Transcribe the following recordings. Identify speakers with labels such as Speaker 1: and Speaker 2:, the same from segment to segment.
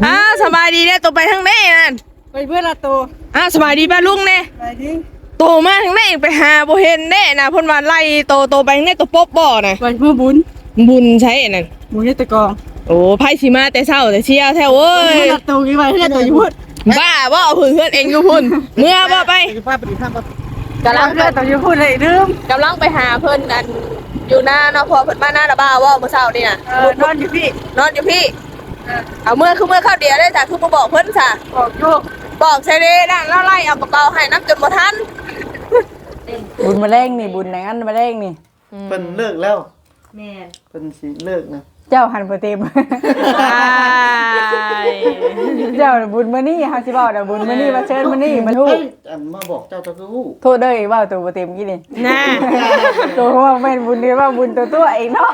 Speaker 1: สบายดีเนี่ยตัวไปทางไหนนั่น
Speaker 2: ไปเพื่อนละโต
Speaker 1: สบายดีป้าลุงเนี่ย
Speaker 2: ไปดิ
Speaker 1: โตมาทางไหนไปหาบ่เห็นแน่นะเพิ่นว่าไล่โตไปทางไหนตัวป๊บบ่น่ะ
Speaker 2: ไปเพื่อ
Speaker 1: บุญใช้นั่น
Speaker 2: บุญตะกอง
Speaker 1: โอ้ไผสิมาแต่เช้าแต่เชียวแท้โว้ย
Speaker 2: เพื่อนละโตกี่ไปเพื่อนตัวอยู่พุ่น
Speaker 1: บ้าบ่เอาเพื่อนเองอยู่พุ่นเมื่อบ่ไป
Speaker 2: กำลังเพื่อนตัวอยู่พุ่นเลยลืม
Speaker 1: กำลังไปหาเพิ่นอันอยู่หน้าเนาะพอเพิ่นมาหน้าละบ้าว่าเมื่อเช้านี่น่ะ
Speaker 2: นอนอยู่พี่
Speaker 1: เอาเมื่อเข้าเดียวได้จ้ะคือบ่บอกเพิ่นจ้ะ
Speaker 2: บอกโยก
Speaker 1: บอกใช่เด้นั่นแล้วไล่เอากระเป๋าให้น้ำจนบ่ทัน
Speaker 2: บุญมาแรงนี่บุญไหนอันมาแรงนี่
Speaker 3: เพิ่นเลิกแล้วแม่เพิ่นสิเลิกนะ
Speaker 2: เจ้าหันโปรเต็มเจ้าบุญมานี่เฮาสิบอกนะบุญมานี่มาเชิญมานี่มาทู
Speaker 3: อันมาบอกเจ้าจะรู้
Speaker 2: โทษเด้อว่าตัวโปรเต็มกี่นี่
Speaker 1: น่ะ
Speaker 2: ตัวว่าแม่นบุญนี่ว่าบุญตัวเองเนาะ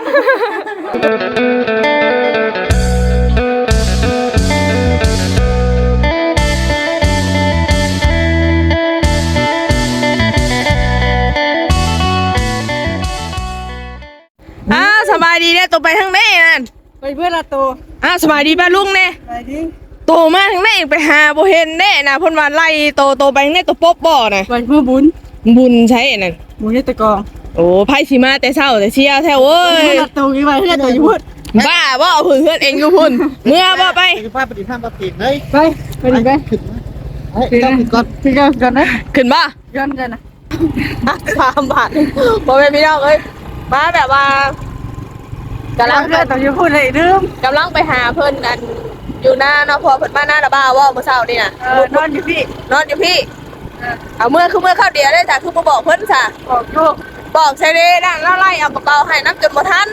Speaker 1: สบายดีเนี่ยตัวไปทางไหนนั่น
Speaker 2: ไปเพื่อนละโต
Speaker 1: สบายดีป้าลุงเนี่ย
Speaker 2: ไปดิ
Speaker 1: โตมาทางไหนไปหาบ่เห็นแน่นะเพิ่นว่าไล่โตไปทางไหนตัวป๊บบ่น่ะ
Speaker 2: ไปเพื่อ
Speaker 1: บุญใช้นั่น
Speaker 2: บุญตะกอง
Speaker 1: โอ้ไผสิมาแต่เช้าแต่เชียวแท้โว้ย
Speaker 2: เพื่อนละโตกี่ไปเพื่อนตัวอยู่พุ่น
Speaker 1: บ้าบ่เอาเพื่อนเองอยู่พุ่นเมื่อบ่ไป
Speaker 3: พาไปดิท่ามาปีกเลย
Speaker 2: ไปดิไป
Speaker 3: ขึ้นก่อน
Speaker 2: นะ
Speaker 1: ขึ้นบ่
Speaker 2: ย้อนกันนะ
Speaker 1: 3 บาทบ่แม่พี่น้องเอ้ยมาแบบว่ากำลัง
Speaker 2: เพื่อนตัวอยู่พุ่นเลยลืม
Speaker 1: กำลังไปหาเพิ่นอันอยู่หน้าเนาะพอเพิ่นมาหน้าละบ้าว่าเมื่อเช้านี่น่ะ
Speaker 2: นอนอยู่พี่
Speaker 1: เอาเมื่อเข้าเดียวได้จ้ะคือบ่บอกเพิ่นจ้ะ
Speaker 2: บอกโยก
Speaker 1: บอกใช่เด้นั่นแล้วไล่เอากระเป๋าให้น้ำจนบ่ทัน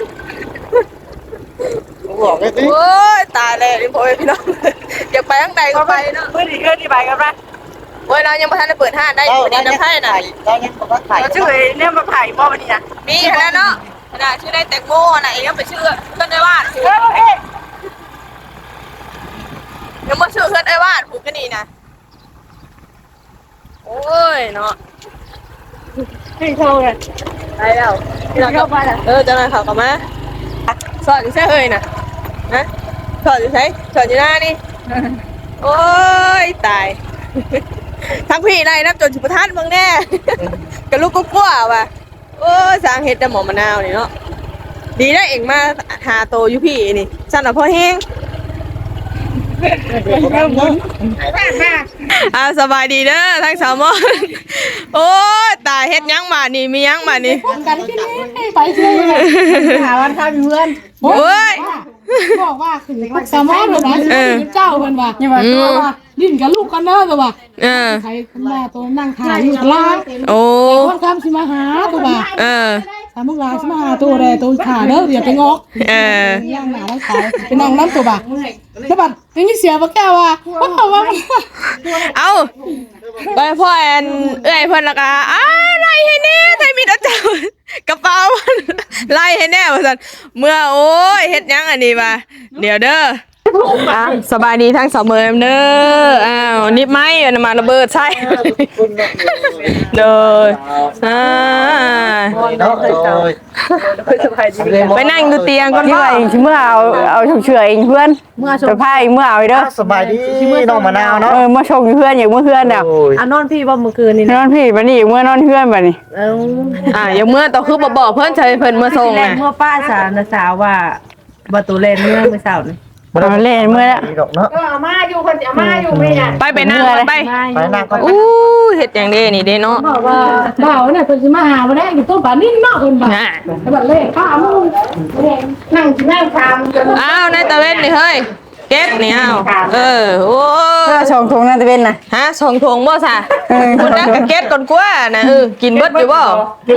Speaker 3: บอกได้สิ
Speaker 1: โอ้ยตายเลยนี่พ่อแม่พี่น้องอยากไปทางใดก็ไปเนาะ
Speaker 2: เพื่อนอีกเพื่อนที่ไปกันปะ
Speaker 1: โอ้ยเรายังบ่ทันได้เปิดห้างได้อยู่นี่น้ำไผ่น่ะ
Speaker 3: เรายังบ่ได้ถ่าย
Speaker 2: เราชื่อเนี่ยมาถ่ายบ่วันนี้นะ
Speaker 1: มีขนาดเนาะขนาดชื่อได้แตงโมน่ะเองยังไปชื่อเพิ่นได้วาดยังบ่ชื่อเพิ่นได้วาดผูกกันนี่นะโอ้ยเนาะ
Speaker 2: ให้เข้ากัน
Speaker 1: ไปแล้ว
Speaker 2: เข้าไป
Speaker 1: เจ้านายเขากลับมาสอดอยู่ใช่เอ้ยน่ะนะสอดอยู่ใช่สอดอยู่หน้านี่โอ้ยตายทั้งพี่ไรนับจนสุภาพมึงแน่กระลูกก็กลัวว่ะโอ้ยสร้างเห็ดแต่หมอมะนาวนี่เนาะดีได้เองมาหาโตอยู่พี่นี่สั่นอ่ะพ่อแห้งสบายดีเด้อทั้งสาวมอนโอ้ยตายเฮ็ดยังมานี่มียังมานี่
Speaker 2: กันที่นี่ไปเชื่อหาวันข้าวเพื่อน
Speaker 1: โอ้ย
Speaker 2: บอกว่าคือสามารถเลยนะเจ้าเพิ่นว่าอย่าว่าดิ้นกับลูกกันเด้อก็ว่าใครมาตัวนั่งถ่ายอยู่ล่าง
Speaker 1: โอ้
Speaker 2: คนคำสิมาหาตัวว่าสามมุกลาสิมาหาตัวใดตัวขาเด้ออย่าไปงอกย่างหนาแล้วขายไปนั่งน้ำตัวบ่าแล้วบัดยังมีเสียบ่แก้วว่า
Speaker 1: เอาไปพ่อแอนเอ้ยเพิ่นละกะไล่ให้แน่ไทยมีดเจ้ากระเป๋าไล่ให้แน่ว่าซั่นเมื่อโอ้ยเฮ็ดยังอันนี้ว่าเดี๋ยวเด้อสบายดีทั้งสองมือเด้อนิบไม้น้ำมันระเบิดใช่เด้อไปนั่งดูเตียงก่อน
Speaker 2: ว่าเองเมื่อเอาเฉยเองเพื่อนเมื่อจะพายเมื่อเอาเด้อ
Speaker 3: สบายดีน้องมะนาวเนาะ
Speaker 2: เมื่อชงเพื่อนอย่างเมื่อเพื่อนอ่ะ
Speaker 1: นอนพี่บ่เมื่อคืนนี่
Speaker 2: นอนพี่บัดนี้เมื่อนอนเพื่อนบัดนี้
Speaker 1: อย่างเมื่อต่อคือบอกเพื่อนใช้เพิ่นเมื่อส่งนะ
Speaker 4: เมื่อป้าสาวว่าประตูเลนเมื่อสาวนี่
Speaker 2: เล่นเมื่อ
Speaker 4: ก็เอามาอยู่คนเอามาอยู่ไม่ยัง
Speaker 1: ไปนั่งไป
Speaker 3: นั่ง
Speaker 1: อู้เฮ็ดอย่างเด้นี่เด้เนาะ
Speaker 4: บอกว่าบ่าวเนี่ยเพิ่นสิมาหาบ่ได้อยู่ต้นป่านิ่งเนาะเพิ่นบ่แต่บัดเลขข้ามึงนั่งทำ
Speaker 1: ในตะเวนนี่เฮ้ยเก็บนี่โอ้
Speaker 2: ชงทงนั่นตะเวนน่ะ
Speaker 1: ชงทงบ่ซะคุณนักกะเก็บก่อนกว่าน่ะกินเบิดอยู่บ่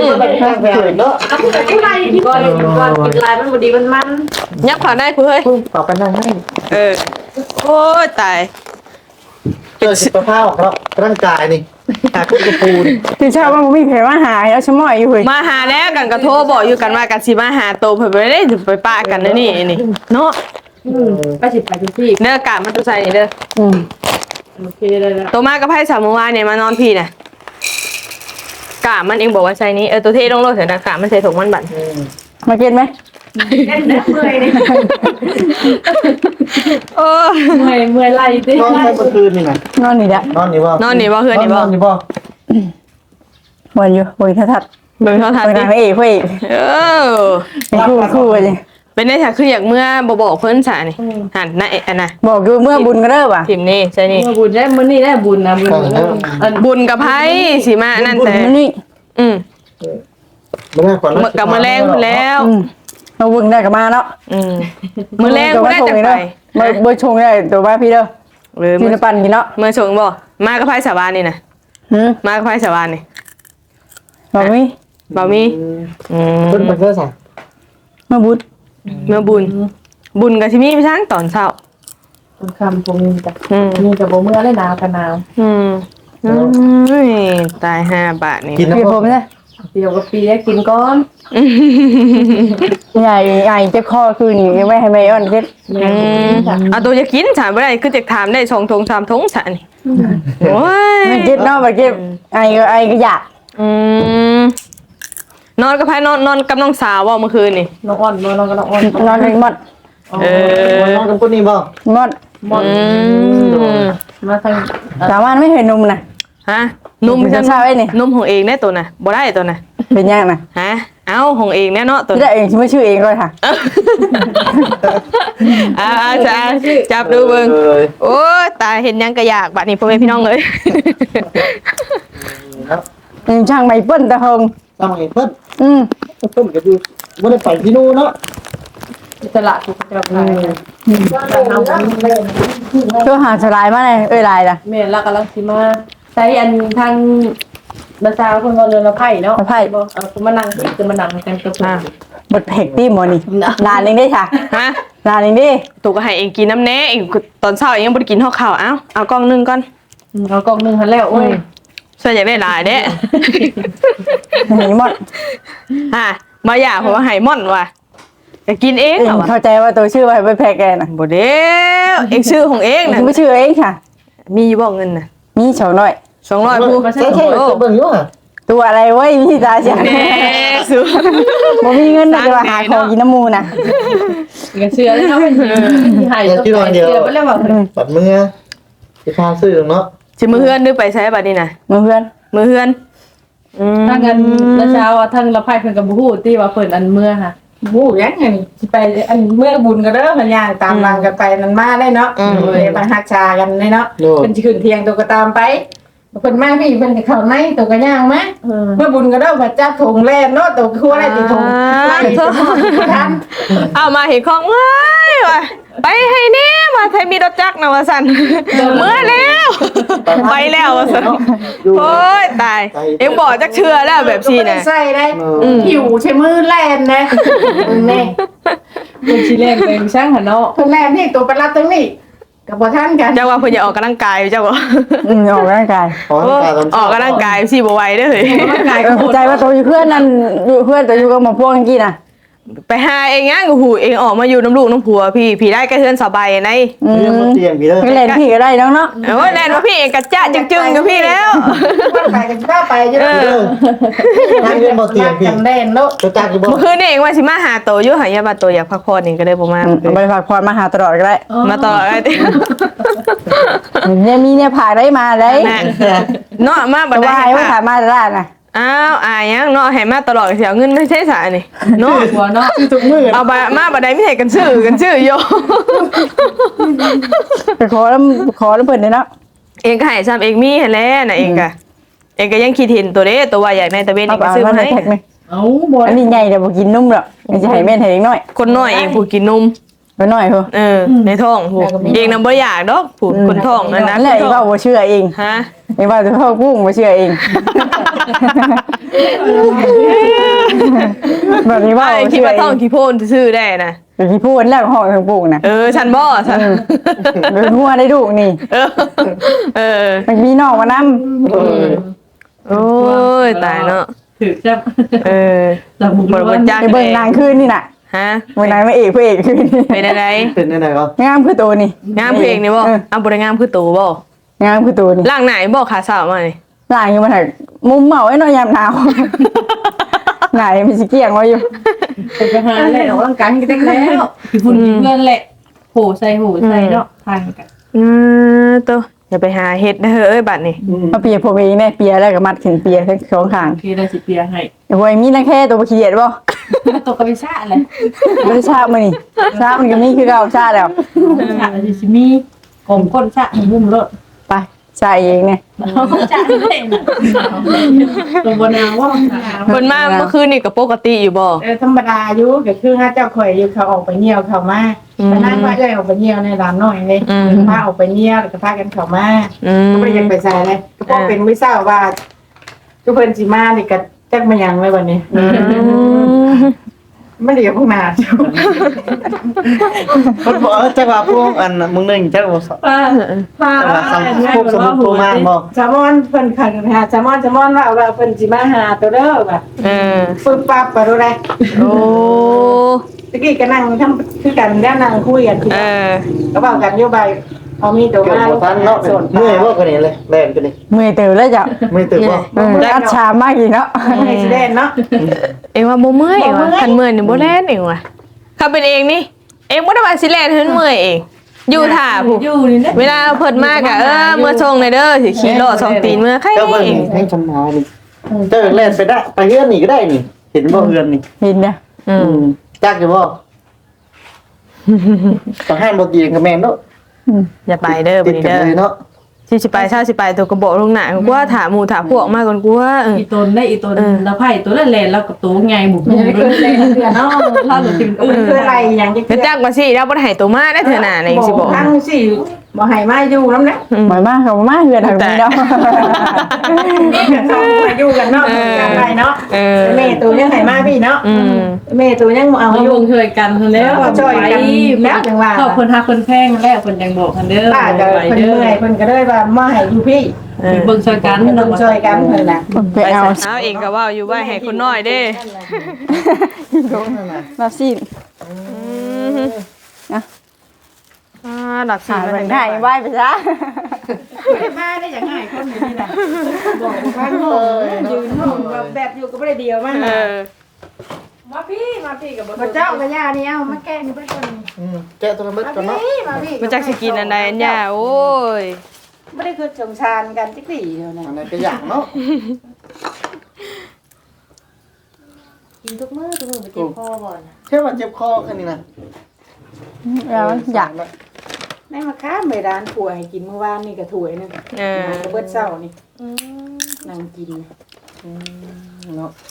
Speaker 4: ผู้ใดกินก่อนกินลายมันบ่ดีมัน
Speaker 1: ยับเข้าได้กูเฮ้ย
Speaker 3: ต่อไปนั่งให้
Speaker 1: โอ้ยตาย
Speaker 3: เจอสุขภาพครับร่างกายนี่หาคุณกระปูน
Speaker 2: ที่ชอบว่ามีเพจมาหาแล้วชะม้อยอยู่เฮ้ย
Speaker 1: มาหาแล้วกันกระโทรบอกอยู่กันว่ากันสิมาหาโตเพิ่นบ่ได้ไปป้ากันนี่เนาะ
Speaker 4: ไปสิไปที่
Speaker 1: เด้อกะมันตุใส่นี่เด้อ
Speaker 4: โอเคได้แล้ว
Speaker 1: โตมากับไผสามเมื่อวานเนี่ยมานอนพี่น่ะกะมันเองบอกว่าใส่นี้ตัวเทลงโลดเถอะนะกะมันใส่ถุงมันบั่น
Speaker 2: มากินไหม
Speaker 4: เล่นเมื่อยเลย
Speaker 1: โอ้
Speaker 4: เมื่อยไหลดิ
Speaker 3: นอนไปเมื่อคืนนี่นะ
Speaker 2: นอนนี่แหละ
Speaker 3: นอนนี่บ่
Speaker 1: นอนนี่บ่เฮือนนี่บ่
Speaker 3: นอนนี่บ่
Speaker 2: วันอยู่วันทัด
Speaker 1: เบิ่งโทรทัศน์
Speaker 2: วัน
Speaker 1: ดิ
Speaker 2: พระเอกพระเอก
Speaker 1: เออ
Speaker 2: เป็นคู่กันเลย
Speaker 1: เป็นได้ค่ะคืออยากเมื่อบ่บอกเพิ่นซะนี่หันน่ะอันน่ะ
Speaker 2: บอกอยู่เมื่อบุญก็เริ่มอ่ะ
Speaker 1: พิมพ์นี่ใช่นี่
Speaker 4: บุญได้มื้อนี้ได้บุญนะบุญ
Speaker 1: บุญกับไผสิมานั่นแต่
Speaker 2: มันนี่
Speaker 1: อืม
Speaker 3: ไม่ได้ก่อน
Speaker 1: กับมื้อแรงพุ่นแล้ว
Speaker 2: มาบุญได้กับมาเนาะ
Speaker 1: อืมมื้อแรงพุ่นได้จังไป
Speaker 2: เบอร์ชงได้ตัวบ้าพี่เด้อ
Speaker 1: เออ
Speaker 2: กิ
Speaker 1: มื้
Speaker 2: นปั่นกินเนาะ
Speaker 1: อชงบ่มากับไผสาบานนี่น่ะ มากับไผสาบานนี่
Speaker 2: บอกมี
Speaker 1: บ่มีอืม
Speaker 3: เพิ่นไปเสื้อใส่
Speaker 2: มาบุญ
Speaker 1: เมื่อบุญบุญก็สิมีไปทั้งตอนเช้า
Speaker 4: คนคำผมมีแต่
Speaker 1: อืม
Speaker 4: มีแต่บ่เมื่อได้หนาวกันหนาว
Speaker 1: อืมตาย5 บาทนี่
Speaker 3: กิน
Speaker 2: เปลี่ยน
Speaker 3: น้ำ
Speaker 2: ผมนะ
Speaker 4: เดียวกับปีกินก้อน
Speaker 2: ใหญ่เจ็บคอคือนี่ยังไม่ให้ไม่อ่อนเจ็บ
Speaker 1: เอาตัวจะกินถามบ่ได้คือจะถามได้2 3 ทงซะนี่โอ้ย
Speaker 2: ไม่เจ็บเนาะไม่เจ็บไอก็อยาก
Speaker 1: นอนกับไผนอนกับน้องสาวบ่เมื่อคืนนี่
Speaker 4: น้องอ่อนน้องก็น้องอ่อน
Speaker 2: นอนในมด
Speaker 3: นอนกับคนนี้บ่
Speaker 2: มด
Speaker 4: มาทาง
Speaker 2: สามารถไม่เห็นนมนะ
Speaker 1: ฮะนุ่ม
Speaker 2: จะเช้าไอ้นี่
Speaker 1: นุ่มของเองแน่ตัวน่ะบ่ได้ตัวน่ะ
Speaker 2: เป็นยังนะ
Speaker 1: ฮะเอ้าของเองแน่เนาะตัว
Speaker 2: ที่ได้เองชื่อชื่อเองก็ค่ะ
Speaker 1: จับดูเบิ่งโอ้ยตายเห็นยังก็อยากบัดนี้พ่อแม่พี่น้องเอ้ย
Speaker 2: ช่างไม่เปิ้ลตะเฮง
Speaker 3: ต้องเห็นเพิ่น
Speaker 2: Ừ.
Speaker 3: เพิ่นก็อยู่บ่ได้ไปที่นู่นเนาะ
Speaker 4: ตลาดถูกจับไป
Speaker 2: ช่วยหาสลายมาเลยลายล่ะ
Speaker 4: แม่ละกำลังสิมาใช้อันทางบาซาคนก็เรือละไผ่เนาะมานั่งจะมานั่งกันกับ
Speaker 2: บทเพกตี้หมอนี่นานเองได้ค่ะ
Speaker 1: ฮะ
Speaker 2: นานเองดิ
Speaker 1: ตัวก็ให้เองกินน้ำแน่เองตอนเช้าเองยังบ่ได้กินข้าวเอากล้องนึงก่อน
Speaker 4: เอากล่องนึงหันแล้วโอ้ย
Speaker 1: ส่วนอยากได้หลายเด้
Speaker 2: เห็นหมด
Speaker 1: ฮะมาอยากเพราะว่าไห้ม่อนว่ะจะกินเองเหรอวะ
Speaker 2: เข้าใจว่าตัวชื่อว่าไปแพกแกนะ
Speaker 1: บ่เด้อเองชื่อของเองน่ะ
Speaker 2: ไม่ชื่อเองค่ะ
Speaker 1: มีบ่เงินน่ะ
Speaker 2: มีสองหน่อย
Speaker 1: 200ผู้
Speaker 3: ใช่เบิ่งอยู่อ่ะ
Speaker 2: ตัวอะไรเว้ยพี่ตาเสีย
Speaker 1: แน่สุ
Speaker 2: บ่มีเงินนะจะมาหาของกินน้ำมูนะ
Speaker 4: กันเชื่อแล้วเนาะหายตัวเดียวไปแล้วว่า
Speaker 3: ปัดมือสิพาซื้อเนาะ
Speaker 1: สิมือเฮือนหรือไปใช้บัดนี้น่ะ
Speaker 2: มือเพื่อน
Speaker 1: มือเฮือน
Speaker 4: ทางกันละเช้าทางละไผ่เพิ่นก็บ่ฮู้ที่ว่าเพิ่นอันเมื่อค่ะฮู้ยังไงสิไปอันเมื่อบุญก็เด้อมันย่างตามหลังกันไปนั่นมาได้เนาะเลยมาฮักชากันได้เนาะเพิ่นสิขึ้นเที่ยงตัวก็ตามไปเพิ่นมาพี่เพิ่นสิเข้าในตัวก็ย่างมาเมื่อบุญก็เด้อพระเจ้าถงแล่นเนาะตัวคั่วได้ติถงไล่ทัน
Speaker 1: เอามาเห็นของเอ้ยว่ะไปให้แน่ว่าไทยมีรถจักรนะว่าซั่นเมื่อแล้วไปแล้วว่าซั่นโอ้ยตายเอ็งบอกจักเชื่อแล้วแบบซี่น่ะ
Speaker 4: ใส่ได้หิวใช้มือแล่นนะแน่เพิ่นสิแล่นไปช่างหั่นเนาะเพิ่นแล่นนี่ตัวประหลัดตรงนี้ก็บ่ทันกัน
Speaker 1: เจ้าว่าเพิ่นจะออกกำลังกายเจ้าบ่
Speaker 2: ออกร่างกาย
Speaker 3: ขอให้ตาตอน
Speaker 1: ออกกำลังกายสิบ่ไหวเด้อเฮ้ย
Speaker 2: เข้าใจว่าตัวอยู่เพื่อนนั่นอยู่เพื่อนตัวอยู่กับหมอพวกกี้นะ
Speaker 1: ไปหาเองยังหูเองออกมาอยู่น้ำลูกน้ำผัวพี่ได้ก็เฮือนสบายใน
Speaker 3: เรื่องมันเตียงพี่เด้อ
Speaker 2: ไม่เล่นพี่ก็ได้น้องเนาะ
Speaker 1: โอ้ยแน่นว่าพี่เองกระจะจึงๆกับพี่แล้ว
Speaker 4: ไปกันก็ไปอยู่
Speaker 3: เด้อนั่งเรื่องบ่เตียงพี่
Speaker 4: กันแน่นเนาะ
Speaker 3: จะจักอยู่บ่
Speaker 1: เมื่อคืนนี่เองว่าสิมาหาโตอยู่หายาบาโตอยากพักผ่อนเองก็เลยบ่มา
Speaker 2: ไปฝากพรมาหาตลอดก็ได้
Speaker 1: มาต่อไอ้ติ
Speaker 2: เนี่ยมีเนี่ยผ่าได้มาได้
Speaker 1: เนาะมาบ่
Speaker 2: แต่ว่า
Speaker 1: ได้
Speaker 2: ให้ว่าผ่า
Speaker 1: ค่ะ
Speaker 2: มาได้นะ
Speaker 1: อ้าวอายยังเนาะให้มาตลอดเสียเงินไม่ใช่สานี่เนาะ
Speaker 4: หัวเนาะ
Speaker 3: ทุกมื้อ
Speaker 1: เอามาบ่ได้ไม่ให้กันชื่อโย
Speaker 2: ไปขอแล้วเพิ่นเลยเนาะ
Speaker 1: เองก็ให้ซ้ำเองมีหั่นแหละน่ะเองก็ยังคิดเห็นตัวเด้ตัวว่าใหญ่ในตะเวนเองก็ซื้อมาให้
Speaker 2: แท็กไหม
Speaker 4: เอ้าบ่
Speaker 2: อันนี้ใหญ่แต่บ่กินนุ่มหรอกมันจะให้แม่นให้เล็กน้อย
Speaker 1: คนน้อยเองผู้กินนม
Speaker 2: ไปหน่อยเถอะ
Speaker 1: ในท้องผู้เองนำบ่อยากดอกผู้คนท้องนั่นนะ
Speaker 2: นั่นแหละอีว่าบ่เชื่อเอง
Speaker 1: ฮะ
Speaker 2: อีว่าจะเข้ากุ้งบ่เชื่อเองแบบนี้ว่า
Speaker 1: ไอ้
Speaker 2: บ่
Speaker 1: คิด
Speaker 2: เชื่อ
Speaker 1: ว่า
Speaker 2: เอ
Speaker 1: ท้อง
Speaker 2: ง
Speaker 1: ขี้โพนซื่อได้นะ
Speaker 2: แต่ที่พูดแล้วห้องทางปลูกนะ
Speaker 1: ฉันบ่ฉัน
Speaker 2: เป็นหัวได้ดูนี่ มันมีนอกมานำ
Speaker 1: โอ้ยตายเนาะ
Speaker 4: ถือจับ
Speaker 1: บ่บ่จัก
Speaker 2: ไปเบิ่งนางคืนนี่น่ะ
Speaker 1: ฮะ
Speaker 2: เบิ่งนางพระเอกคืนนี่
Speaker 1: เป็นอะไร
Speaker 3: เป็นได้ไหนก็
Speaker 2: งามคือตัวนี่
Speaker 1: งามเพลงนี่บ่เอาบ่ได้งามคือตูบ่
Speaker 2: งามคือตัวนี่
Speaker 1: ล่างไหนบ่ขาสาวมานี่
Speaker 2: ล่างอยู่มันหักมุมเหมาไว้หน่อยยามหนาว
Speaker 5: ไหนมีสิเกี่ยงไว้อยู่
Speaker 4: ไปหาแหละออกร่างกายกันได้แล้วคือฝุ่นเพื่อนแหละโหใส่เนาะทานกัน
Speaker 1: ตัวอย่าไปหาเฮ็ดนะเฮ้ยบัดนี้
Speaker 5: มาเปียผมเองเนี่ยเปียแล้วก็มัดขึ้นเปียทั้งสองข้าง
Speaker 4: พี่ได้สิเปียให้
Speaker 5: โอ้ยมีนักแค่ตัวบ่ขี้เกียจบ่
Speaker 4: ตกกระไปชาเลย
Speaker 5: บ่ได้ชามื้อนี้ชามันก็มีคือเก่าชาแล้ว
Speaker 4: ชาสิมีกลมก้นชามุมรถ
Speaker 5: ไปชาเองเนี่ย
Speaker 4: ชาเล่นตัวบนาว่า
Speaker 1: เพิ่นมาเมื่อคืนนี่ก็ปกติอยู่บ่
Speaker 4: ธรรมดาอยู่ก็คือถ้าเจ้าข่อยอยู่เขาออกไปเหี่ยวเขามาไปนั่งว่าเอ้ยออกไปเหี่ยวในร้านน้อยเลยพาออกไปเหี่ยวแล้วก็พากันเขามาก็ไม่ได้ยังไปใส่เลยก็พอเป็นวิซ่าว่าทุกเพิ่นสิมานี่ก็จักมายังเลยวันนี้ไม่ได้อยู่ข้างหน้า
Speaker 3: คนบอกจังหวะพวกอันมึงนึงจังหวะ
Speaker 4: พาพวกสมุนโทมาบอกแซลมอนเพิ่นขันหาแซลมอนว่าเพิ่นสิมาหาตัวเด้อแบบ ปึ๊บปั๊บไปดูได้
Speaker 1: โอ้
Speaker 4: ตะกี้ก็นั่งทำคือกันแล้วนั่งคุยกันก็บอกกันโยบายเอามีตัว
Speaker 3: เกิด
Speaker 4: มา
Speaker 3: บ่ทันเนาะเมื่อยบ่กันนี่เลยแล่นกันนี่
Speaker 5: เมื่อยตื่นแล้วจ้ะ
Speaker 3: เมื่อยตื่นบ่
Speaker 5: อัดชามากอีกเนาะ
Speaker 4: ให้สิเล่นเนาะ
Speaker 1: เอ็งว่าบ่เมื่อยว่ะคันเมื่อยนี่บ่แล่นเองว่ะถ้าเป็นเองนี่เองบ่ได้ว่าสิแล่นเพิ่นเมื่อยเองอยู่ท่าผู้
Speaker 4: อยู่นี่นะ
Speaker 1: เวลาเพิ่นมาก็เมื่อส่งเลยเด้อสิขี่รถสองตีนเมื่อใคร
Speaker 3: เจ้าเบิ่ง
Speaker 1: เอง
Speaker 3: ให้ชำนาญนี่เจ้าแล่นไปได้ไปเฮือนนี่ก็ได้นี่ เห็นบ่เฮือนนี่
Speaker 5: เห็นนะ
Speaker 3: จักอยู่บ่ต้องให้บ่ตีกับแม่นเนาะ
Speaker 1: อย่าไปเด้อ
Speaker 3: ติ
Speaker 1: บั
Speaker 3: ด
Speaker 1: ดนี้
Speaker 3: กัน
Speaker 1: เด้อ
Speaker 3: เลยเนาะ
Speaker 1: สิไปเช้าสิไปตัวกระบอกลงหน้ากูว่าถามหมู่ถามพวกมาก่อนกูว่า
Speaker 6: อีตนได้อีตนแล้วไผ่ตัวนั้นแหละแล้วกับตัวไงบุก
Speaker 4: ไม่เคยเล่นเถื่อนเนาะ
Speaker 6: ถ้าตัวจริง
Speaker 4: มันคืออะไรอย่างจะ
Speaker 1: ก็จักว่าสิแล้วบ่ได้ให้ตัวมาได้เถอะน่ะในสิบอก
Speaker 4: ทั้งสิบ่ให้มาอยู่นำนะ
Speaker 5: หมายมากเขามาเฮือนทางนี้เนาะ
Speaker 4: เขาไปอยู่กันเนาะกันไปเนาะแม่ตัวยังให้มาพี่เนาะแม่ตัวยังเอา
Speaker 6: เอา
Speaker 4: อยู่
Speaker 6: ลงช่วยกันแล้ว
Speaker 4: ช่วยกันแล้วจังว่า
Speaker 6: ขอบคนทักคนแพงแล้วคนยังบอกกันเด้อ
Speaker 4: ป้าก็
Speaker 6: ไป
Speaker 4: เพิ่น
Speaker 6: เด้อ
Speaker 4: เมื่อยเพิ่นก็เลยว่ามาให้อยู่พี่
Speaker 6: เบิ่งช่วยกัน
Speaker 4: เพิ่นช่วยกันเพิ่นน่ะ
Speaker 5: ไปเอา
Speaker 1: เอาเองก็ว่าอยู่ว่าให้คนน้อยเด้
Speaker 5: มาซีน
Speaker 1: หลับสิ
Speaker 5: หาเบิ่งได้ไหว้ไปซะ
Speaker 4: มาได้อย่างง่ายคนอยู่นี่น่ะบอกว่ายืนห้องแบบอยู่ก็บ่ได้เดียวมา
Speaker 6: มาพี่กับ
Speaker 4: บ่เจ้ากับย่านี่เอามาแก้นี่เพิ่นคน
Speaker 3: แกะตัวละเม็ดก่อนเนาะ
Speaker 4: มาพี่
Speaker 1: มันจักสิกินอันใดอันยาโอ้ย
Speaker 4: บ่ได้คือสงสารกันจักดีเดียวนะ
Speaker 3: อันไหนก็อย่างเนาะ
Speaker 6: กินทุกมื้อไปเจ็บคอบ่อน
Speaker 3: แค่ว่าเจ็บคอแค่นี้นะ
Speaker 5: แล้วอยาก
Speaker 4: แม่มาค้าไปร้านถั่วให้กินเมื่อวานนี่ก็ถ้วยนึงก็เบิดเช้านี่นั่งกิน
Speaker 3: เนาะ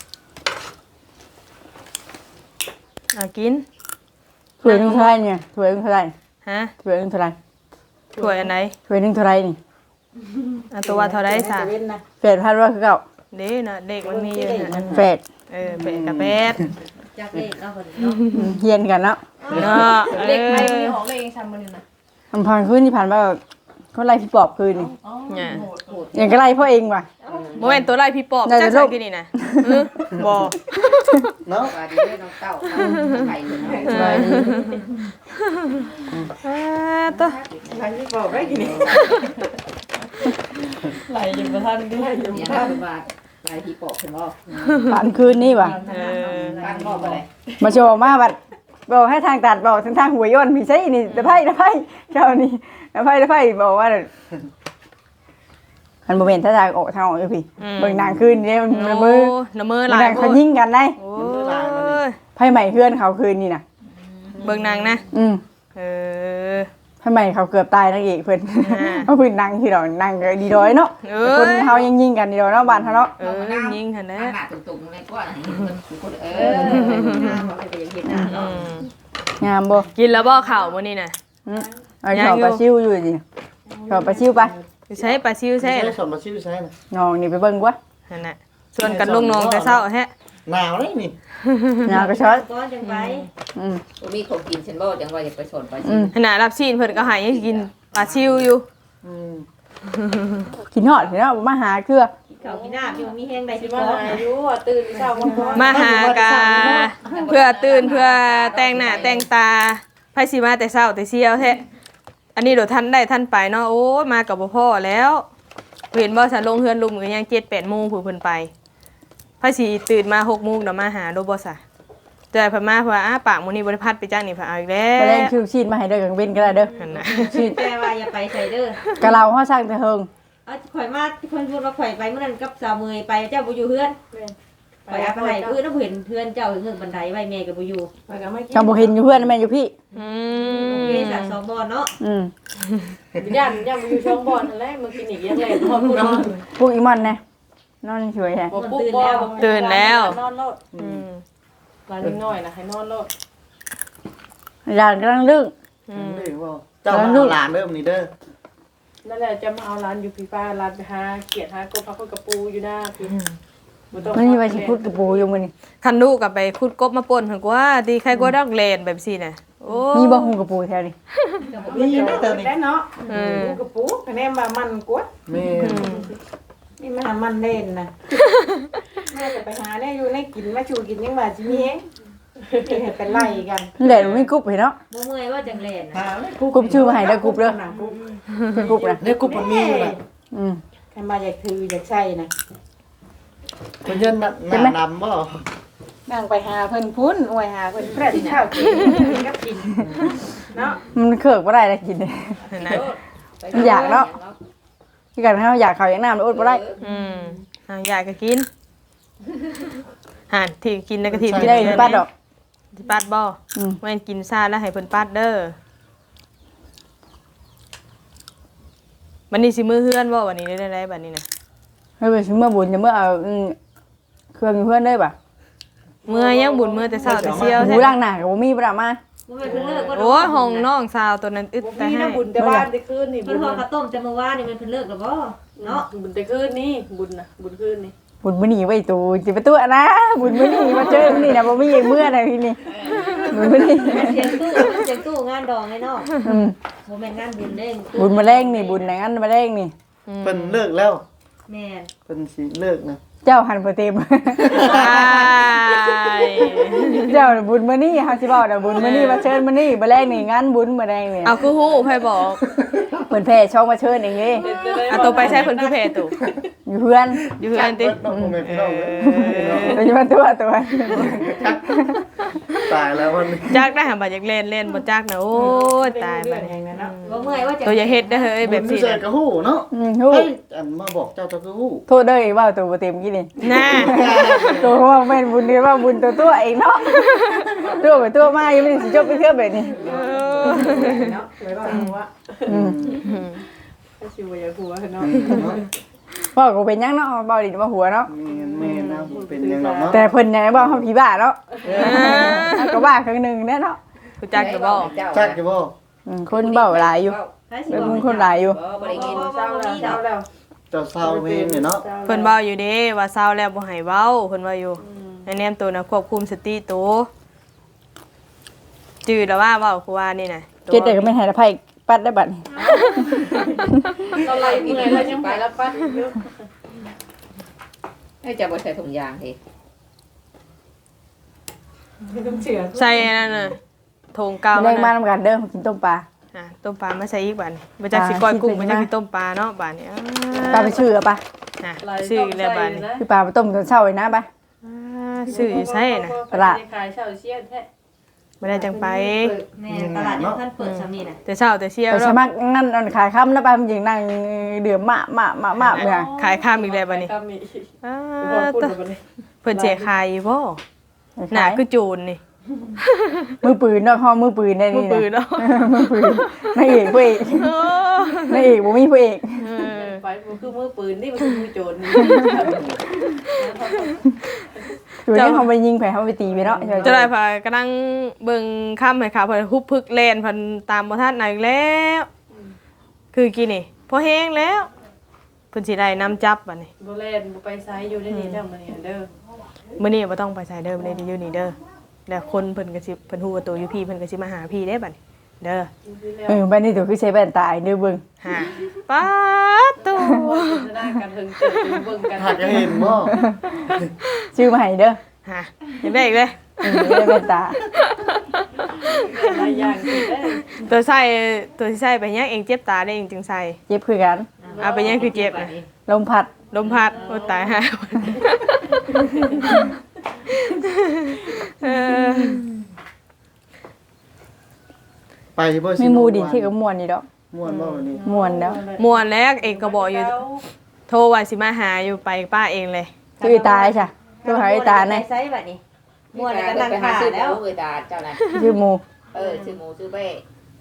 Speaker 1: กิน
Speaker 5: ถ้วยนึงเท่าไหร่เนี่ยถ้วยนึงเท่าไหร่
Speaker 1: ฮะ
Speaker 5: ถ้วยนึงเท่าไหร่
Speaker 1: ถ้วยอันไหน
Speaker 5: ถ้วยนึงเท่าไหร่นี่
Speaker 1: อันตัวว่าเท่าไรซะ
Speaker 4: เว้นนะ
Speaker 5: 8,000ว่าคือเก่า
Speaker 1: เด้น่ะเด็กมันมีอยู่น่ะ
Speaker 5: แปด
Speaker 1: เป็ดกับเป็ด
Speaker 6: จากเลขเอาคน
Speaker 5: เฮียนกันเนาะ
Speaker 1: เนาะ
Speaker 6: เลขไม่ออกเลขซ้ำมันนะ
Speaker 5: อำพรขึ้นที่ผ่านมาเขาไล่พี่ปอบคืนนี่
Speaker 1: เนี่ย
Speaker 5: อย่างก็ไล่พ่อเองว่ะ
Speaker 1: โมเมนตัวไล่พี่ปอบ
Speaker 5: ได้
Speaker 1: จัก
Speaker 5: แต่
Speaker 1: สั
Speaker 5: ลู
Speaker 1: ก
Speaker 5: ก
Speaker 1: กินนี่นะบ่
Speaker 3: เนาะ
Speaker 4: ว่าดีเด้อน้องเต้าไข่เนาะ
Speaker 1: ตัว
Speaker 4: ไข่ที่บอกได้กินนี่
Speaker 6: ไหลอยู่ประทันด้วย
Speaker 4: เนี่ยนะว่าลายที่ปอกเพิ่นบ่
Speaker 5: ผ่านคืนนี่ว่ะ
Speaker 4: บ้านบอกอะไร
Speaker 5: มาโชว์มาบัดบอกให้ทางตัดบอกทางหัวย้อนพี่ใช่นี่ตะไพ่เจ้านี่ตะไพ่บอกว่ามันโมเมนต์ถ้าทางออกทางออกอยู่พี่เบิ่งนางคืนนี่มันมือ
Speaker 1: น้ำมือ
Speaker 5: มัน
Speaker 1: ลาย
Speaker 5: นางเขายิงกันได้
Speaker 1: โอ้ย
Speaker 5: ไพ่ใหม่เพื่อนเขาคืนนี่นะ
Speaker 1: เบิ่งนางนะ เออ
Speaker 5: ไพ่ใหม่เขาเกือบตายนางเอกเพื่อนเพราะเพื่อนนางที่เรานางก็ดีด้อยเนาะคนเขายังยิงกันดีด้อยเนาะบ้านเขาเนาะ
Speaker 1: ยิงหันนะ
Speaker 4: หน้าตุ่มๆเลยกว่าคนเขาไปเฮ็ดหน้าเนาะ
Speaker 5: งามบ่
Speaker 1: กินแล้วบ่ข่าวมื้อนี้น่ะ
Speaker 5: เอาชอบปลาซิวอยู่ดิชอบปลาซิวไป
Speaker 1: ใช้ปลาซิวใช่
Speaker 3: ใช้สมบัติชื่อใช้น่ะ
Speaker 5: น้องนี่ไปเบิ่งกว่า
Speaker 1: นั่นน่ะส่วนกันลุงน้องแต่เช้าแฮะ
Speaker 3: หนาวเลยนี่
Speaker 5: น้องก็ชอบ
Speaker 6: ก้อนจังไป
Speaker 7: มีของกินฉันบ่จังว่าอยากไปสอนไป
Speaker 1: ขนาดรับซีนเพิ่นก็ให้กินปลาซิวอยู่
Speaker 5: กินฮอดเนาะมาหาเกลือ
Speaker 6: เขากินน้ำอยู่มีแห้งใดที่บ่อายุตื่นเช้ามา
Speaker 1: มาหากาเพื่อตื่นเพื่อแต่งหน้าแต่งตาไผสิมาแต่เช้าแต่เช้าแท้อันนี้เดี๋ยวท่านได้ท่านไปเนาะโอ้ยมากับบ่พ่อแล้วเห็นบ่ฉันลงเฮือนลุมก็ยัง 7-8 โมงผู้เพิ่นไปพระสิตื่นมา6:00 นน่ะมาหาโดบ่ซะแต่เพิ่นมาเพราะว่าปากมื้อนี้บ่ได้พัดไปจังนี่เพิ่นเอาอีกแล้
Speaker 5: บ่แรง
Speaker 1: ว
Speaker 5: คิวชีดมาให้เด้อกังเว้นก็ได้เด้อ
Speaker 1: นั่นน่ะ
Speaker 5: ชีด
Speaker 6: แต่ว่าอย่าไปใส่เด้อก
Speaker 5: ะเราเฮาสร้างแต่เฮิง
Speaker 6: เอาข่อยมาคนพูดว่าข่อยไปเมื่อนั้นกับสาวเมยไปเจ้าบ่อยู่เฮือนข่อยเอาไปให้เพื่อนเห็นเพื่อนเจ้าถึงบันไดไว้แม่ก็บ่อยู่
Speaker 5: จังบ่เห็นอยู่เพื่อนแม่นอยู่พี่
Speaker 1: อื
Speaker 6: โอ
Speaker 1: ม
Speaker 6: เคสักสองบอลเนาะ
Speaker 4: ย่านบ่อยู่ช่องบอลนั่นแหละมื้อกินอีกยังไงพอพูดนอน
Speaker 5: พวกอีมอนนะนอนสวยแฮะ
Speaker 4: บ่ปุ๊บบ่นอนโลด
Speaker 1: อืม
Speaker 4: หลานน้อยนะให้นอนโลด
Speaker 5: หลานกำลังลึก
Speaker 3: เด้อบ่เจ้ามาเอาหลานเด้อมื้อนี้เด้อ
Speaker 4: นั่นแหละจะมาเอาร้านอยู่พี่ป้าร้านไปหาเกียรติหากบพักคนกระปูอยู่หน้าพี่บ่ต้อง
Speaker 5: มันมีไว้สิพูดกับปูอยู่มื้อนี้
Speaker 1: คันลูกก็ไปขุดกบมาป่นหั่นกว่าดีใครกว่าดอกเลนแบบซี่น่ะโอ้
Speaker 5: มีบ่ฮู้กับปูแถวนี้
Speaker 3: นี่นะเจ้านี่
Speaker 4: ได้เนาะปูกระปูคะแนนมามันกว่า
Speaker 3: แม่
Speaker 4: นี่มามันเล่นนะแม่จะไปหาได้อยู่ในกินมาชูกินยังว่าสิมีเองเป็นไล่กัน
Speaker 5: แหละมีกรุ๊ปเห็นเนาะ
Speaker 6: บ่เมื่อยว่าจังแลน
Speaker 3: หาเลย
Speaker 5: กรุ๊ปชื่อมาให้เด้อกรุ๊ปเด้อ
Speaker 4: นะกรุ๊ป
Speaker 5: กรุ๊ปนะ
Speaker 3: เนี่ยกูบ่มีอยู่น่ะ
Speaker 4: ใครมาอยากถืออยากใช้นะ
Speaker 3: เพิ่นยันน่ะหน้าดำบ่
Speaker 4: นั่งไปหาเพิ่นพุ้นอวยหาเพิ่นแพร่ที่ข้าวกินกับกินเนาะ
Speaker 5: มันเคิกบ่ได้แล้วกินเนี่ย
Speaker 1: นั่นน่ะ
Speaker 5: อยากเนาะที่กันเฮาอยากข้าวอยากน้ำอดบ่ได้
Speaker 1: อยากก็กินห่านที่กินแล้วก็ที่
Speaker 5: สิได้ปัดดอก
Speaker 1: ที่ปัดบ่
Speaker 5: อืม
Speaker 1: แม่นกินซ่าแล้วให้เพิ่นปัดเด้อวันนี้สิมื้อเฮือนบ่วันนี้ได้บัดนี้น่ะ
Speaker 5: เฮ้ยไปซื้อมาบุญจะเมื่อเอาเครื่องอยู่เพื่อนได้ป่ะ
Speaker 1: เมื่อยังบุญเมื่อแต่เช้าแต่เช้า
Speaker 5: หู
Speaker 1: ใช่
Speaker 5: ล้างหน้าก็บ่มีบ่ได้มา
Speaker 6: บ่แม่นเพิ่นเลิกว่า
Speaker 1: โอ้ยห้องน้องสาวตัวนั้นอึดแต่
Speaker 4: มี
Speaker 1: ให้
Speaker 4: นะบุญแต่บ้านได้คืนนี่
Speaker 6: เพิ่นฮอดข้าวต้มแต่เมื่อวานนี่มันเพิ่นเลิกแล้วบ่เนาะ
Speaker 4: บุญแต่คืนนี่บุญนะบุญคืนนี่
Speaker 5: บุญมื้อนี้ไว้ตูสิไปตัวนะบุญมื้อนี้มาเจอมื้อนี้นะบ่มีอีกมื้อใดทีนี้บุญมื้อนี้
Speaker 6: เสียงตู้งานดองไอ้เนาะ
Speaker 5: อืม
Speaker 6: บ่แม่นงานบุญเด้ง
Speaker 5: บุญมาแรงนี่บุญไหนงั้นมาแรงนี่
Speaker 3: เพิ่นเลิกแล้ว
Speaker 6: แม่น
Speaker 3: เพิ่นสิเลิกนะ
Speaker 5: เจ้าหันบ่เต็ม เจ้าน่ะบุญมื้อนี้เฮาสิเว้าน่ะบุญมื้อนี้มาเชิญมื้อนี้บ่แรงนี่งานบุญมื้อแรงนี่
Speaker 1: เอาคือฮู้ไผบอก
Speaker 5: เพิ่นแพ้ช่องมาเชิญเองเด้
Speaker 1: เอาตัวไปใช้เพิ่นคือเพตุ
Speaker 5: อยู่เพื่อน
Speaker 1: อยู่เฮือนติ
Speaker 3: ต้องบ่แม่นพี่น้องเลย
Speaker 5: โดยเฉพาะตัว
Speaker 3: ตายแล้วมัน
Speaker 1: จักได้หาบ่อยากเล่นบ่จักนะโอ้ยตายบัดนี้
Speaker 6: บ่เมื่อยว่าจัง
Speaker 1: ตัวอย่าเฮ็ดเด้อเฮ้ยแบบ
Speaker 3: สิ
Speaker 1: นี้
Speaker 3: เสก
Speaker 1: นะ
Speaker 3: ก็ฮู้เนาะ
Speaker 5: ฮู้
Speaker 3: เฮ้ยอันมาบอกเจ้าก็ฮู้
Speaker 5: โทษเด้อเว้าตัวบ่เต็มกี้นี่
Speaker 1: น่า
Speaker 5: ตัวว่าแม่นบุญนี่ว่าบุญตัวเองเนาะตัวไปตัวมายังไม่สิจบไปเทื่อแบบนี้
Speaker 4: เนาะไว้ว่าหัวถ้าสิว่าอยากหัวเนาะ
Speaker 5: พ่อก็เป็นหยังเนาะเบาดิมาหัวเนาะ
Speaker 3: แม่นะเป็นยังไงเนาะ
Speaker 5: แต่เพิ่นยังบ่เฮาผีบ้าเนาะก็บ้าครั้งนึงแน่เนาะ
Speaker 1: กูจักก็บ่
Speaker 3: จักอยู่บ่
Speaker 5: คนเบ้าหลายอยู่
Speaker 6: ไผสิ
Speaker 5: เป็น
Speaker 6: บอก
Speaker 5: คนหลายอยู่
Speaker 7: บ่ได้กิน
Speaker 4: เศร้าแล้ว
Speaker 3: เจ้าสาวเพลงเนี่ยเนาะ
Speaker 1: เพิ่นเว้าอยู่เด้ว่าเศร้าแล้วบ่ให้เว้าเพิ่นว่าอยู่ในแนมตัวนะควบคุมสติตัวจื้อแล้วว่าเว้าคือว่านี่น่ะ
Speaker 5: เก็ดได้ก็ไม่ให้ละไผปัดได้บัดนี้
Speaker 4: เราไล่เมื่อยแล้วยังไปแล้วปั๊บ
Speaker 7: ให้จะบ่ใส่ถุงยางเฮ้
Speaker 4: ต้องเชื่อ
Speaker 1: ใส่อันนั่นน่ะโถงเก่า
Speaker 5: แรงมา
Speaker 1: นะ
Speaker 5: นำกันเด้อกินต้มปลา
Speaker 1: ต้มปลามาใส่อีกบัดนี้บ่จักสิก้อยกุ้งบ่จักสิต้มปลาเนาะบัดนี้
Speaker 5: ปลาไปชื่อป่ะ
Speaker 1: ชื่อแล้วบัดนี้
Speaker 5: คือปลาไปต้มตอนเช้าไว้นะป่ะ
Speaker 1: ชื่ออยู่ไสน่ะ
Speaker 4: ตลาดขายเช่าเชี่ยแท้
Speaker 1: บ่ได้จังไป
Speaker 6: แม่ตลาดยังท่านเปิดซำนี่น่ะ
Speaker 1: แต่เช้าแต่เช้า
Speaker 5: แต่
Speaker 1: เนาะ
Speaker 5: สมัครงั้นอันขายค่ำนะป่ะมันยิงนั่งเดือมมะเนี่ย
Speaker 1: ขายข้ามอีกแล้วบัดนี้
Speaker 4: ก็มี
Speaker 1: อ้า
Speaker 4: บ่พูด
Speaker 1: ตะ
Speaker 4: บ่นี่
Speaker 1: เพิ่นเจ๊ขายอยู่บ่หน้าคือโจรนี่
Speaker 5: มือปืนเนาะห้องมือปืนได้
Speaker 1: มือ
Speaker 5: นี่
Speaker 1: ปืนเนาะ
Speaker 5: มือปืนนายเอกพระเอก
Speaker 1: เออน
Speaker 5: ายเอกบ่มีพระเอก
Speaker 1: เออ
Speaker 4: ไปมันคือมือปืนนี่มันคือมือโจรนี่
Speaker 5: ตัวนี้เขาไปยิงไผเขาไปตีไปเนาะ
Speaker 1: จะได้พากำลังเบิ่งค่ำให้ค่ะเพิ่นฮุบพึกแล่นเพิ่นตามบ่ทันไหนแล้ว คือกี่นี่พอแห้งแล้วเพิ่นสิได้นำจับบัดนี้
Speaker 4: บ่เล่นบ่ไปไสอยู่ได้นี่เด้อมื้อนี้เด้อ
Speaker 1: มื้อนี้บ่ต้องไปไสเด้อมื้อนี้อยู่นี่เด้อแล้วคนเพิ่นก็สิเพิ่นฮู้ว่าตัวอยู่พี่เพิ่นก็สิมาหาพี่เด้บัดนี้เด้อ
Speaker 5: บ้านนี้ตัวคือใช้แว่นตาเด้อเบิ่ง
Speaker 1: หาป๊าดตัว
Speaker 4: จะได้กันถึงเจอเบิ่งกัน
Speaker 3: หากจะเห็นบ่
Speaker 5: ชื่อมาให้เด้อ
Speaker 1: หาเห็นได้อีกเลย
Speaker 5: แว่นตา
Speaker 4: หลายอย่างกินได้
Speaker 1: ตัวที่ใส่ไปยังเองเจ็บตาได้เองจึงใส่
Speaker 5: เจ็บคือกัน
Speaker 1: เอาไปยังคือเจ็บนะ
Speaker 5: ลมพัด
Speaker 1: ลมพัดโอ้ตายฮะเออ
Speaker 3: ไปบ่
Speaker 5: มีหมูดิที่ก็ม่วนนี่ดอก
Speaker 3: ม่วนบ่วันนี้
Speaker 5: ม่วนแล้ว
Speaker 1: ม่วนแล้วเองก็บอกอยู่โทรว่าสิมาหาอยู่ไปป้าเองเลย
Speaker 5: ชื่อตายจ้ะตัวหายตาใน
Speaker 6: ไซส์แบบนี้ม่วน
Speaker 7: แล้
Speaker 6: แล้ว วก็นั่ง
Speaker 7: ไปหา
Speaker 6: ขา
Speaker 7: ซื้อ
Speaker 6: แล้ว
Speaker 7: เอ้ยตาเจ้าน่ะ
Speaker 5: ชื่อหมู
Speaker 7: ซื้อหมูซื้อเป้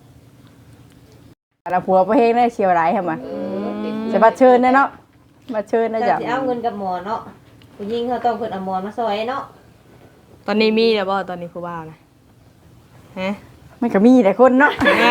Speaker 5: แล้วผัวประเฮงได้เชียวหลายใช่มั้ย
Speaker 7: ติด
Speaker 5: จะบัดเชิญเนาะบัดเชิญนะ
Speaker 6: จะ
Speaker 5: จ๊ะ
Speaker 6: เอาเงินกับหมอเนาะผู้หญิงเขาต้องเพิ่นเอาหมอนมาซอยเนาะ
Speaker 1: ตอนนี้มีแล้วบ่ตอนนี้ผู้บ่าวนะฮะ
Speaker 5: มันก็มีแต่คนเนาะ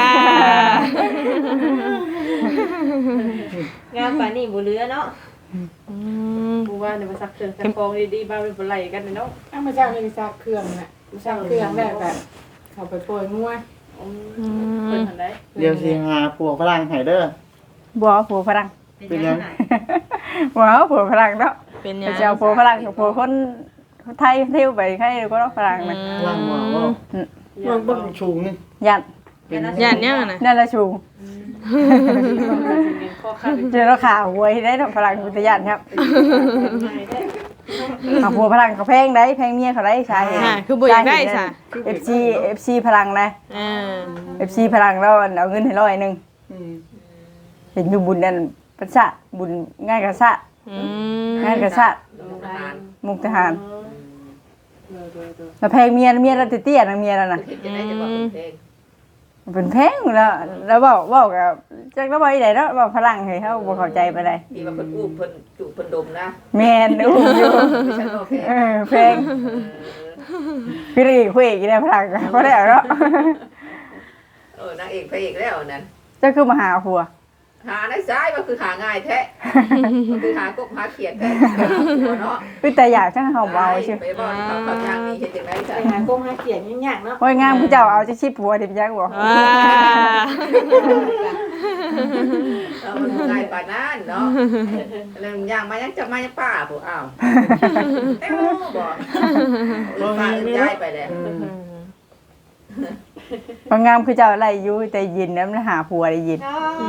Speaker 6: งามปานนี้บ่เหลือเนาะ
Speaker 4: กูว่าเนี่ยมาซักเครื่องซักฟองดีๆบ้าเป็นบ่ไหลกันเนาะ
Speaker 2: เอามาจากเลยซักเครื่องน่ะซักเครื่องแล้วก็เข้าไปโปรยงัว
Speaker 4: เพิ่นทันได้
Speaker 3: เดี๋ยวสิหาผัวฝรั่งให้เด้อ
Speaker 5: บ่ผัวฝรั่ง
Speaker 3: เป็นยัง
Speaker 5: ว้าวผัวฝรั่งเนาะ
Speaker 1: เป็นหยั
Speaker 5: ไป
Speaker 1: ง
Speaker 5: เจ้าผัวฝรั่งกับผัวคนไทยเที่ยวไปใครก็ฝรั่งนะ
Speaker 3: ฝรั่งว่าบ่เบิ่งชูงนี่
Speaker 5: ยัน
Speaker 3: เป็น
Speaker 1: ย่านยังอะนะ
Speaker 5: นั่นละชู
Speaker 4: ข้อข้า
Speaker 5: เจอแล้วขาหวยได้ทำฝรั่งกุตยันครับเอาผัวฝรั่งเขาแพงได้แพงเมียเขาได้ใช่
Speaker 1: อ่าคือบ่อยากได้ซะ
Speaker 5: FC พลังนะ
Speaker 1: อ่า
Speaker 5: FC พลังแล้วเอาเงินให้100นึง
Speaker 3: อืม
Speaker 5: เห็นอยู่บุญนั่นประสาทบุญง่ายกระสะ
Speaker 1: อืม
Speaker 5: ง่ายกระสะ
Speaker 7: ทหาร
Speaker 5: มุกทหารแล้วแพงเมียแล้วเตี้ยๆนะเมียแล้วน่ะ
Speaker 7: เห็นจะได้จะบอกเป็นเพลง
Speaker 5: เป็นแพงแล้วบอกกับจักแล้วบ่อีไดเนาะบอกฝรั่งให้เขาบ่เข้าใจปานใด
Speaker 7: ที่ว่าเพิ่นอู้เพิ่นจุเพิ่นดมนะ
Speaker 5: แม่นอู้อยู่
Speaker 7: ไม่ใช่โอเค
Speaker 5: แพงพี่รีคุยอีกได้ฝรั่งก็ได้เนาะ
Speaker 7: นางเอกพระเอกแล้วนั้น
Speaker 5: เจ้าคือมาหาผัว
Speaker 7: หาในซ้ายก็คือหาง่ายแท้ก็คือหากบหาเขียดแท้เนาะ
Speaker 5: คือแต่อยากจังเฮาเบาซื่อ
Speaker 7: ไปบ่เขาทางนี้เฮ็ดจังได๋จ้ะ
Speaker 6: ไปหาก้มหาเขียนยากๆเนาะ
Speaker 5: โอ้ยงามผู้เจ้าเอาจะชิบผัวเดี๋ยวจักบ่
Speaker 1: ว้า
Speaker 7: มันง่ายปานนั้นเนาะแล้วย่างมายังจะมายังป้าผู้อ้าวเอ้าบ่ป้าอึ้งใจไปแล้ว
Speaker 5: บางงามคือเจ้าอะไรอยู่แต่ยินแล้วมันหาผัวได้ยิน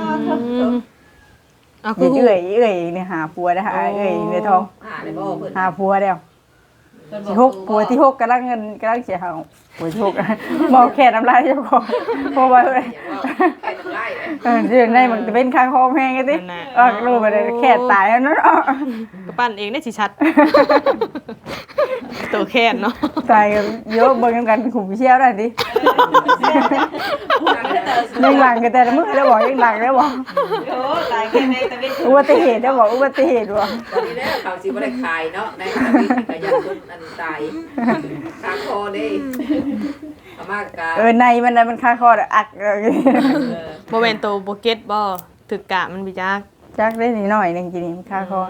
Speaker 1: เอาคื
Speaker 5: ยิ
Speaker 1: อน หู
Speaker 5: เอ้ยเนี่ยหาผัวได้หาเอ้ยในท้อง
Speaker 7: หาได้บ่เพิ่น
Speaker 5: หาผัวแล้วที่หกผัวที่หกกำลังเสียหาผัวที่หกมองแค่น้ำลายเจ้าของเพราะว่า
Speaker 7: แค่น้ำลาย
Speaker 5: เรื่องในมันจะเป็นข้างคอแห้งไงติรู้ไปเลยแค่ตายแล้วเนาะ
Speaker 1: ก็ปั้นเองได้สิชัดตัวแค่นเนาะ
Speaker 5: ตายกันเยอะเบิ่งกันขุมเชี่ยวได้ดิยังหลังกันแต่ละมื้อแล้วบอกยังหลังแล้วบอก
Speaker 6: โอ้ตายแค่ในตะเวน
Speaker 5: อุบัติเหตุแล้วบอกอุบัติเหตุว่ะ
Speaker 7: ตอนนี้แล้วเขาสิบ่ได้ขายเนาะในทวีก็ยังคนอันตายคาคอเด้เอามากกะ
Speaker 5: ในมันค่าคออัก
Speaker 1: บ่แม่นตัวบ่เก็ตบ่ถึกกะมันบิจัก
Speaker 5: จักได้นิดหน่อยนึงกินนี่ค่าคอ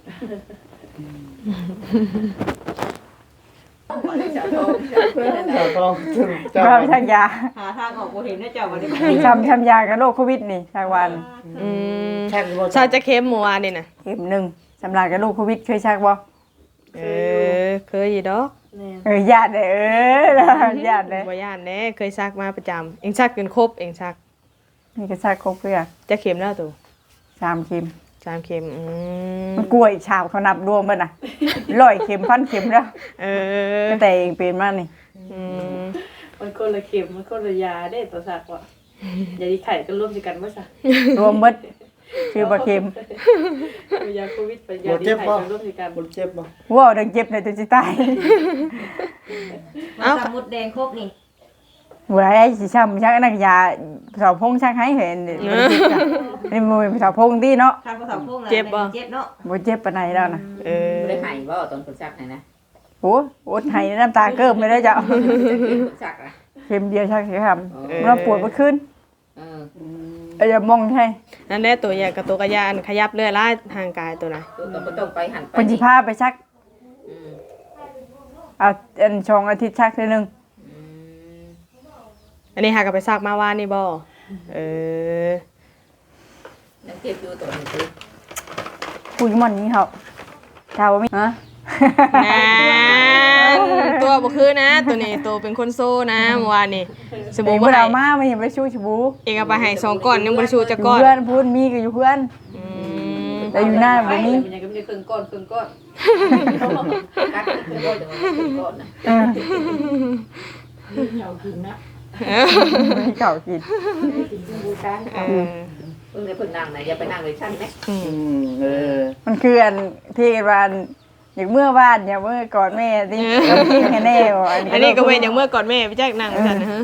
Speaker 7: เจ้าทองเจ้าเพื่อน
Speaker 3: เจ้าต้องเจ้า
Speaker 5: ว่าไปชักยา
Speaker 6: หาทางออกบ่เห็นนะเจ้าบ่ได้
Speaker 5: ทำยากับโรคโควิดนี่ชักวัน
Speaker 1: อืม
Speaker 3: แค่บ่
Speaker 1: ชาจะเข้มเมื่อวานนี่น่ะ
Speaker 5: เข็มหนึ่งสำหรับกับโรคโควิดเคยชักบ่
Speaker 1: เคยอยู่ดอก
Speaker 5: ญาติเลยญาติเลย
Speaker 1: บ่ย่านแน่เคยซักมาประจำเองซักจนครบเองซัก
Speaker 5: นี่ก็ชักครบเพื่อ
Speaker 1: จะเข็มแล้วตัว
Speaker 5: 3 เข็ม
Speaker 1: 3เข็ม
Speaker 5: มันกลัวอีกชาวเขานับรวมมันน่ะ100 เข็ม1,000 เข็มแล้ว แต่เองเป็นมานี่
Speaker 4: มันคนละเข็มมันคนละยาได้ตัวสักว่ะยาดีไข่ก็ร่วมกันบ่ซะ
Speaker 5: รวมหมดชื่อบ่เข็ม
Speaker 4: ยาโควิดไปยาดีไข่ก็ร่วมกัน
Speaker 3: บ่เจ็บบ่
Speaker 5: ว้าวดังเจ็บเลยตัวสิตาย
Speaker 6: เอาสมุดแดงครบนี่
Speaker 5: บ่ได้สิช้ำชักนักยาสาวพงชักให้เห็นนี่มือสาวพงที่เนาะ
Speaker 6: ทางภาษาพวกนั้นเจ็บเนาะ
Speaker 5: บ่เจ็บปานใดแล้วนะ
Speaker 7: บ่ได้ให้บ่ตอนคนซักนะ
Speaker 5: โอ้อดให้น้ำตาเกิบไม่ได้จ้ะ
Speaker 7: คนซักอ่ะ
Speaker 5: เข็มเดียวชักสิครับมันปวดบ่ขึ้น อย่ามองใช่
Speaker 1: นั่นแหละตัวใหญ่กับตัวกระยานขยับเรื่อยล่าทางกายตัวไหน
Speaker 7: ตัวก็ต้องไปหันไป
Speaker 5: เพิ่นสิพาไปชักเอาอันชองอาทิตย์ชักเทื่อนึง
Speaker 1: อันนี้หากับไปซักมาว่านี่บ่
Speaker 7: นักเก็บอยู่ตัวนี้คือ
Speaker 5: คุยมันนี้เขาชาวมีฮะ
Speaker 1: ตัวบ่คือนะ ตัวนี้ตัวเป็นคนโซ่นะเมื่อวานนี่ส
Speaker 5: เอ
Speaker 1: บู่
Speaker 5: ง
Speaker 1: บ่
Speaker 5: บ่ได้
Speaker 1: ให้
Speaker 5: เอามาไม่เห็นไปชู้ชบู
Speaker 1: เองเอาไปให้2ก้อนยังบ่ได้ชูจักก้อน
Speaker 5: เพื่อนพูดมีก็อยู่เพื่อน
Speaker 7: ค
Speaker 5: แต่อยู่หน้าบ่มี
Speaker 7: มันยังก็มีเครื่องก้อนกัดเครื่องก้อนจังว่าเครื่องก้อนนะ
Speaker 4: เอากินนะ
Speaker 5: มีเก่ากิน
Speaker 4: บูชา
Speaker 7: เพิ่งได้เพิ่งนั่งไหนอย่าไปนั่งเลยชั้นไหม
Speaker 5: มันคืออันที่ว่าอย่างเมื่อวานอย่างเมื่อก่อนแม่ที่ที่แน่ๆบ่
Speaker 1: อันนี้ก็เว้นอย่างเมื่อก่อนแม่ไปแจ้งนั่งซั่นนะฮะ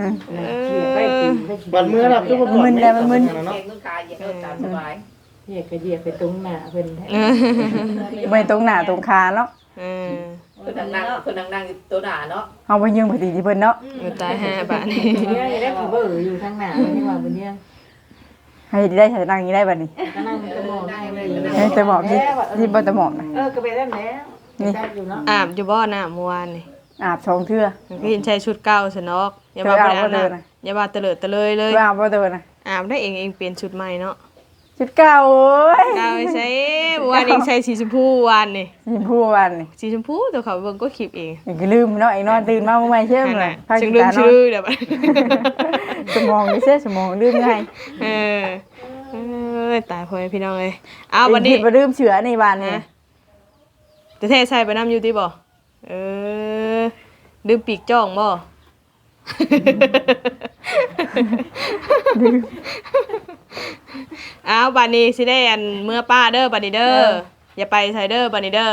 Speaker 3: บัดมือน่ะคือบ่ก่อน
Speaker 5: มึนแล้วมันมึน
Speaker 7: แกงต้นกายอย่าเดินตามสบาย
Speaker 4: เหยียบก็เหยียบไปตรงหน้าเพิ่นแท้
Speaker 5: ไม่ตรงหน้าตรงคาเนาะ
Speaker 7: เพิ่นนั่งตัวหนาเนาะ
Speaker 5: เอาไปยืมปฏิทิเพิ่นเนาะ
Speaker 1: ตาย5บาทนี่
Speaker 4: เนี่ยได้ผู้เบิ่อยู่ทางหน้านี่ว่าบ่เนี่ย
Speaker 5: ให้ได้ใช้นั่งอย่างนี้ได้บัดนี้
Speaker 4: ก็นั่งตะหมอกเลย
Speaker 5: ให้แต่หมอบที่บ่แต่หมอบนะ
Speaker 4: ก็ไปได้แล้วนี่อยู่เนาะ
Speaker 1: อาบอยู่บ่น้ำเมื่อวานนี่
Speaker 5: อาบ2เทื่อ
Speaker 1: ก็เห็นใส่ชุดเก่าซะเนาะอย่าว่าบ่ได้อาบน้ำอย่าว่าเตลิดเตะเลยเลย
Speaker 5: อาบบ่เดินนะ
Speaker 1: อาบได้เองเปลี่ยนชุดใหม่เนาะ
Speaker 5: ชุดเก่าเอ้ย
Speaker 1: ดาวใช้วันเองใช้สีชมพูวันนี่
Speaker 5: ยิมพูวันนี่
Speaker 1: สีชมพูตัวเขาเบิ่งก็คลิปเอง
Speaker 5: อีกลืมเนาะไอ้นอนตื่นมาเมื่อไหร่เชื่อมเลย
Speaker 1: จึงลืมชื่อเดี๋ยว
Speaker 5: สมองนี่เสียสมองลืมง่าย
Speaker 1: เออตายพ่อพี่น้องเลยเอาวันนี้
Speaker 5: บ่ลืมเชื้อในบ้านนี่
Speaker 1: จะเทใส่ไปน้ำอยู่ที่บ่ลืมปีกจ้องบ่เอาบัดนี้สิได้อันเมื่อป้าเด้อบัดนี้เด้ออย่าไปไสเด้อบัดนี้เด้อ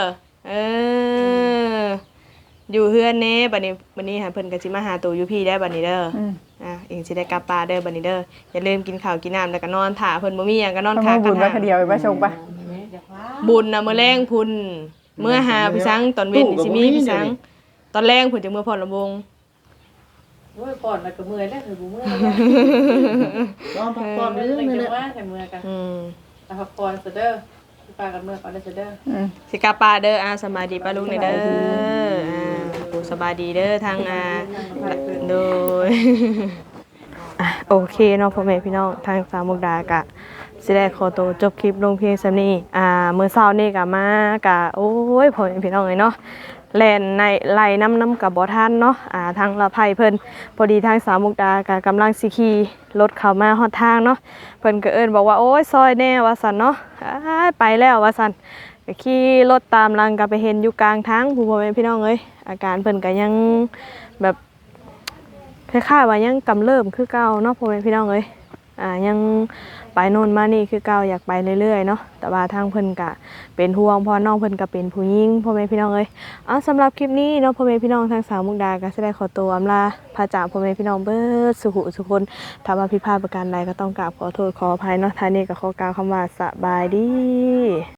Speaker 1: อยู่เฮือนเน่บัดนี้หาเพิ่นก็สิมาหาตัวอยู่พี่ได้บัดนี้เด้อเองสิได้กลับป้าเด้อบัดนี้เด้ออย่าลืมกินข้าวกินน้ำแล้วก็นอนท่าเพิ่นบ่มีหยังก็นอน
Speaker 5: ต้อง
Speaker 1: ท่า
Speaker 5: บุญไว้คนเดียวไปชงปะ
Speaker 1: บุญน่ะมื้อแรงพุ่นเมื่อหาพี่สังตอนเว้นสิมีพี่สังตอนแรงพุ่นจะเมื่อพรลำวง
Speaker 4: โอ้ยก่อนแล้วก็เมื่อยแล้วคือบ่เมื่อย
Speaker 3: นอนพักผ่อน
Speaker 4: เมื่
Speaker 3: เรื่
Speaker 4: อ
Speaker 3: อย
Speaker 4: ย
Speaker 3: ๆนี่
Speaker 4: จัง
Speaker 3: แหละ
Speaker 4: ว่าแต่เมื่อยกันพักผ่อนซะเด้อสิพากันเมื่อยก่อนเด้อเด้อ
Speaker 1: สิกลับป้าเด้อสบายดีป้าลุงเด้อสบายดีเด้อทางโดยโอเคเนาะพ่อแม่พี่น้องทางสามมุกดากะสิได้ขอตัวจบคลิปลงเพียงซำนี้มื้อเช้านี้ก็มากะโอ้ยพ่อแม่พี่น้องเอ้ยเนาะแล่นในไล่น้ำกับบ่ทันเนาะทางละไผเพิ่นพอดีทางสามมุกดากะกำลังสิขี่รถเข้ามาฮอดทางเนาะเพิ่นก็เอิ้นบอกว่าโอ้ยซอยแน่ว่าซั่นเนาะไปแล้วว่าซั่นก็ขี่รถตามหลังก็ไปเห็นอยู่กลางทางผู้พ่อแม่พี่น้องเอ้ยอาการเพิ่นก็ยังแบบคล้ายๆว่ายังกำเริบคือเก่าเนาะพ่อแม่พี่น้องเอ้ยยังไปโน่นมานี่คือเก่าอยากไปเรื่อยๆเนาะแต่ว่าทางเพิ่นก็เป็นห่วงเพราะน้องเพิ่นก็เป็นผู้หญิงพ่อแม่พี่น้องเอ้ยสำหรับคลิปนี้เนาะพ่อแม่พี่น้องทางสาวมุกดาก็สิได้ขอตัวอำลาพระจากพ่อแม่พี่น้องเบิดสุขุสุคนถ้าว่าผิดพลาดประการใดก็ต้องกราบขอโทษขออภัยเนาะท้ายนี้ก็ขอกล่าวคำว่าสบายดี